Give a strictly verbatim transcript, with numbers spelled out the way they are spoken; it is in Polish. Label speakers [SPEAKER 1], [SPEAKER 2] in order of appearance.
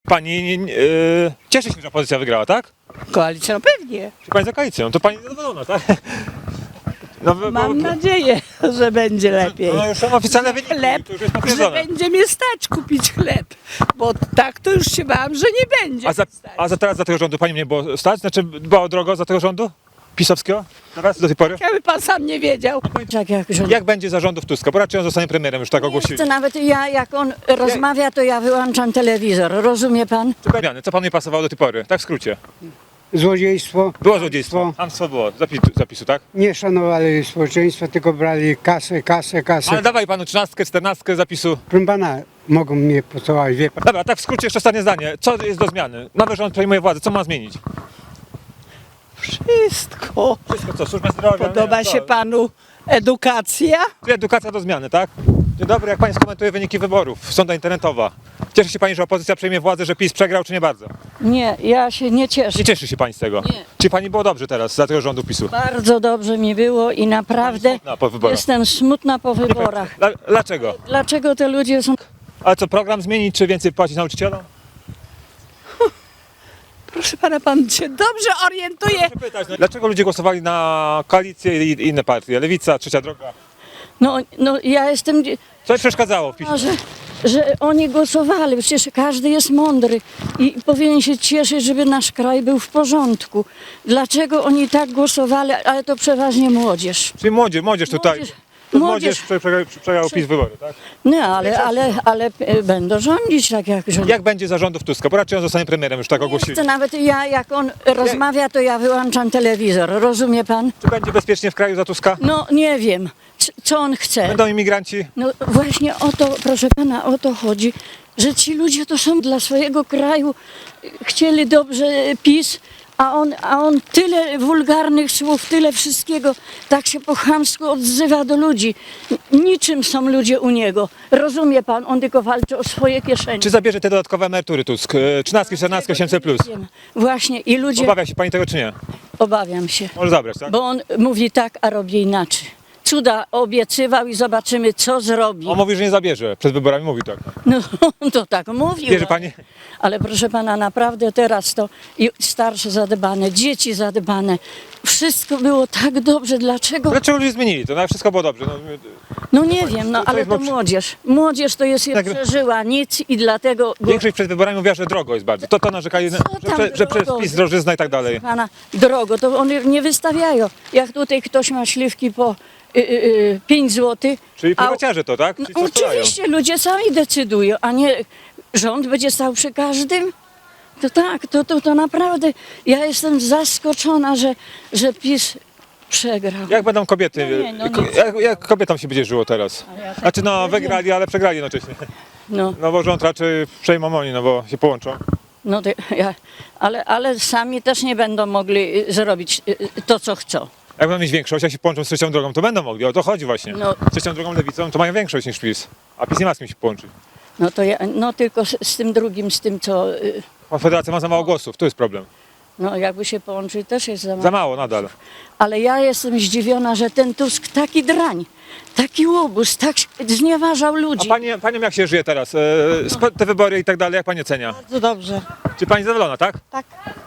[SPEAKER 1] Pani yy, cieszy się, że opozycja wygrała, tak?
[SPEAKER 2] Koalicja, no pewnie.
[SPEAKER 1] Czy pani za koalicją? To pani zadowolona, tak? No, bo-
[SPEAKER 2] Mam
[SPEAKER 1] bo-
[SPEAKER 2] nadzieję, że będzie lepiej.
[SPEAKER 1] No już są oficjalne wyniki,
[SPEAKER 2] Chleb,
[SPEAKER 1] to już jest
[SPEAKER 2] że
[SPEAKER 1] potwierdzone.
[SPEAKER 2] będzie mnie stać kupić chleb. Bo tak to już się bałam, że nie będzie
[SPEAKER 1] A za,
[SPEAKER 2] stać.
[SPEAKER 1] a za teraz za tego rządu pani mnie było stać? Znaczy było drogo za tego rządu? Pisowskiego? Teraz do tej pory?
[SPEAKER 2] Jakby pan sam nie wiedział.
[SPEAKER 3] Tak jak rząd.
[SPEAKER 1] Jak będzie za rządów Tuska? Bo raczej on zostanie premierem, już tak ogłosili.
[SPEAKER 3] To nawet ja, jak on rozmawia, to ja wyłączam telewizor. Rozumie pan?
[SPEAKER 1] Zmiany. Co panu nie pasowało do tej pory? Tak w skrócie.
[SPEAKER 4] Złodziejstwo.
[SPEAKER 1] Było złodziejstwo. Hamstwo było. Zapisu, zapisu, tak?
[SPEAKER 4] Nie szanowali społeczeństwa, tylko brali kasę, kasę, kasę.
[SPEAKER 1] Ale dawaj panu trzynastkę, czternastkę zapisu.
[SPEAKER 4] Proszę pana, mogą mnie pocałować, wie pan.
[SPEAKER 1] Dobra, tak w skrócie jeszcze ostatnie zdanie. Co jest do zmiany? Nowy rząd przejmuje władzę. Co ma zmienić?
[SPEAKER 2] Wszystko.
[SPEAKER 1] Wszystko co? Służba zdrowia?
[SPEAKER 2] Podoba
[SPEAKER 1] nie, co?
[SPEAKER 2] się panu edukacja?
[SPEAKER 1] Edukacja do zmiany, tak? Dzień dobry, jak pani skomentuje wyniki wyborów? Sonda internetowa. Cieszy się pani, że opozycja przejmie władzę, że PiS przegrał, czy nie bardzo?
[SPEAKER 3] Nie, ja się nie cieszę.
[SPEAKER 1] Nie cieszy się pani z tego?
[SPEAKER 3] Nie.
[SPEAKER 1] Czy pani było dobrze teraz za tego rządu PiSu?
[SPEAKER 3] Bardzo dobrze mi było i naprawdę
[SPEAKER 1] Smutna po wyborach.
[SPEAKER 3] jestem smutna po wyborach.
[SPEAKER 1] Dla, dlaczego?
[SPEAKER 3] Dlaczego te ludzie są...
[SPEAKER 1] Ale co, program zmienić, czy więcej płacić nauczycielom?
[SPEAKER 2] Proszę pana, pan się dobrze orientuje.
[SPEAKER 1] Proszę pytać, no, dlaczego ludzie głosowali na koalicję i inne partie? Lewica, Trzecia Droga.
[SPEAKER 3] No, no ja jestem...
[SPEAKER 1] Co im przeszkadzało w PiSie?
[SPEAKER 3] Że, że oni głosowali, przecież każdy jest mądry i powinien się cieszyć, żeby nasz kraj był w porządku. Dlaczego oni tak głosowali, ale to przeważnie młodzież.
[SPEAKER 1] Czyli młodzież, młodzież tutaj.
[SPEAKER 3] Młodzież-
[SPEAKER 1] To
[SPEAKER 3] młodzież-
[SPEAKER 1] młodzież prze- prze- przegrał PiS wybory, tak?
[SPEAKER 3] No ale, ale, ale e, będą rządzić tak jak rządzą.
[SPEAKER 1] Jak będzie za rządów Tuska? Bo raczej on zostanie premierem, już tak ogłosili.
[SPEAKER 3] To nawet ja, jak on rozmawia, to ja wyłączam telewizor. Rozumie pan?
[SPEAKER 1] Czy będzie bezpiecznie w kraju za Tuska?
[SPEAKER 3] No nie wiem, c- co on chce.
[SPEAKER 1] Będą imigranci?
[SPEAKER 3] No właśnie o to, proszę pana, o to chodzi, że ci ludzie to są dla swojego kraju, chcieli dobrze PiS, a on, a on tyle wulgarnych słów, tyle wszystkiego, tak się po chamsku odzywa do ludzi. Niczym są ludzie u niego. Rozumie pan, on tylko walczy o swoje kieszenie.
[SPEAKER 1] Czy zabierze te dodatkowe emerytury Tusk? E, Trzynastki, czternastki, osiemset plus.
[SPEAKER 3] Wiem. Właśnie i ludzie,
[SPEAKER 1] Obawia się pani tego, czy nie?
[SPEAKER 3] obawiam się,
[SPEAKER 1] Może zabrać, tak?
[SPEAKER 3] bo on mówi tak, a robi inaczej. Cuda obiecywał i zobaczymy, co zrobi.
[SPEAKER 1] On mówi, że nie zabierze. Przed wyborami mówi tak.
[SPEAKER 3] No to tak mówił.
[SPEAKER 1] Wierzy pani?
[SPEAKER 3] Ale proszę pana, naprawdę teraz to i starsze zadbane, dzieci zadbane, wszystko było tak dobrze. Dlaczego?
[SPEAKER 1] Dlaczego ludzie zmienili to? No, wszystko było dobrze. No,
[SPEAKER 3] No nie wiem, no
[SPEAKER 1] to
[SPEAKER 3] ale
[SPEAKER 1] jest
[SPEAKER 3] to
[SPEAKER 1] dobrze.
[SPEAKER 3] młodzież. Młodzież to jest,
[SPEAKER 1] Tak.
[SPEAKER 3] przeżyła nic i dlatego... Go,
[SPEAKER 1] większość przed wyborami mówiła, że drogo jest bardzo. To to narzekali, że,
[SPEAKER 3] tam
[SPEAKER 1] że, że przez
[SPEAKER 3] drogo?
[SPEAKER 1] PiS drożyzna i tak dalej.
[SPEAKER 3] pana, drogo, to oni nie wystawiają. Jak tutaj ktoś ma śliwki po y, y, y, pięć złotych.
[SPEAKER 1] Czyli
[SPEAKER 3] a-
[SPEAKER 1] prywaciarze to, tak?
[SPEAKER 3] No,
[SPEAKER 1] Ci, co sprzedają.
[SPEAKER 3] oczywiście, ludzie sami decydują, a nie rząd będzie stał przy każdym. To tak, to, to, to naprawdę, ja jestem zaskoczona, że, że PiS przegrał.
[SPEAKER 1] Jak będą kobiety?
[SPEAKER 3] No nie, no
[SPEAKER 1] ko-
[SPEAKER 3] nic.
[SPEAKER 1] jak, jak kobietom się będzie żyło teraz?
[SPEAKER 3] Ale ja tak
[SPEAKER 1] Znaczy no
[SPEAKER 3] nie wiem.
[SPEAKER 1] wygrali, ale przegrali jednocześnie.
[SPEAKER 3] No,
[SPEAKER 1] No bo rząd raczej przejmą oni, no bo się połączą.
[SPEAKER 3] no to ja, ale, ale sami też nie będą mogli y, zrobić y, y, to, co chcą.
[SPEAKER 1] Jak będą mieć większość, jak się połączą z Trzecią Drogą, to będą mogli. O to chodzi właśnie.
[SPEAKER 3] No.
[SPEAKER 1] Z Trzecią Drogą, Lewicą to mają większość niż PiS. A PiS nie ma z kim się połączyć.
[SPEAKER 3] No to ja, no tylko z, z tym drugim, z tym, co, y,
[SPEAKER 1] Konfederacja ma za mało głosów, to jest problem.
[SPEAKER 3] no jakby się połączyć, też jest za mało.
[SPEAKER 1] Za mało nadal.
[SPEAKER 3] Ale ja jestem zdziwiona, że ten Tusk taki drań, taki łobuz, tak znieważał
[SPEAKER 1] A
[SPEAKER 3] ludzi.
[SPEAKER 1] pani, paniom jak się żyje teraz? E, spo- te wybory i tak dalej, jak pani ocenia?
[SPEAKER 2] Bardzo dobrze.
[SPEAKER 1] Czy pani zadowolona, tak?
[SPEAKER 2] Tak.